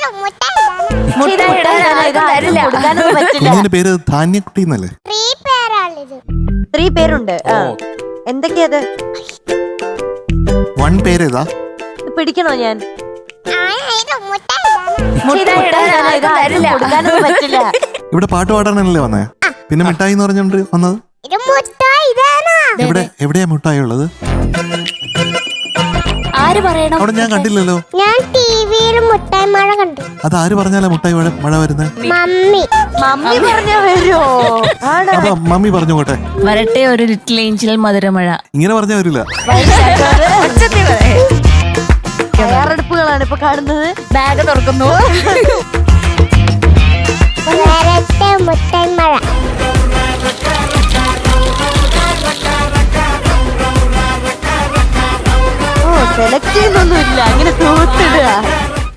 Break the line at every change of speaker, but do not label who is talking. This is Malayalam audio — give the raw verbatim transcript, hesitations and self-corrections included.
കുഞ്ഞിന്റെ പേര് ധാന്യക്കുട്ടി എന്നല്ലേ?
ത്രീ പേരുണ്ട്. എന്തൊക്കെയത്?
വൺ പേരേതാ?
പിടിക്കണോ ഞാൻ? പറ്റില്ല.
ഇവിടെ പാട്ട് പാടാനല്ലേ വന്നേ? പിന്നെ മിഠായി എന്ന് പറഞ്ഞോണ്ട് വന്നത്? എവിടെ എവിടെയാ മിഠായി ഉള്ളത്?
ആര് പറയണം?
അവിടെ ഞാൻ കണ്ടില്ലല്ലോ.
ഞാൻ ടിവിയിൽ മുട്ടായി മഴ കണ്ടു.
അത് ആര് പറഞ്ഞാലാ മുട്ടായി മഴ മഴ വരുന്നത്?
മമ്മി.
മമ്മി പറഞ്ഞാ വരുമോ?
അപ്പൊ മമ്മി പറഞ്ഞു പോട്ടെ.
വരട്ടെ ഒരു ലിറ്റിൽ ഏഞ്ചൽ മധുരമഴ.
ഇങ്ങനെ പറഞ്ഞാ വരില്ല.
തയ്യാറെടുപ്പുകളാണ് ഇപ്പൊ കാണുന്നത്.
ബാഗ് തുറക്കുന്നു.
വരട്ടെ മുട്ടായി മഴ.
ഓ സെലക്ട് ചെയ്യുന്നൊന്നുമില്ല, അങ്ങനെ തൂത്തിടുക.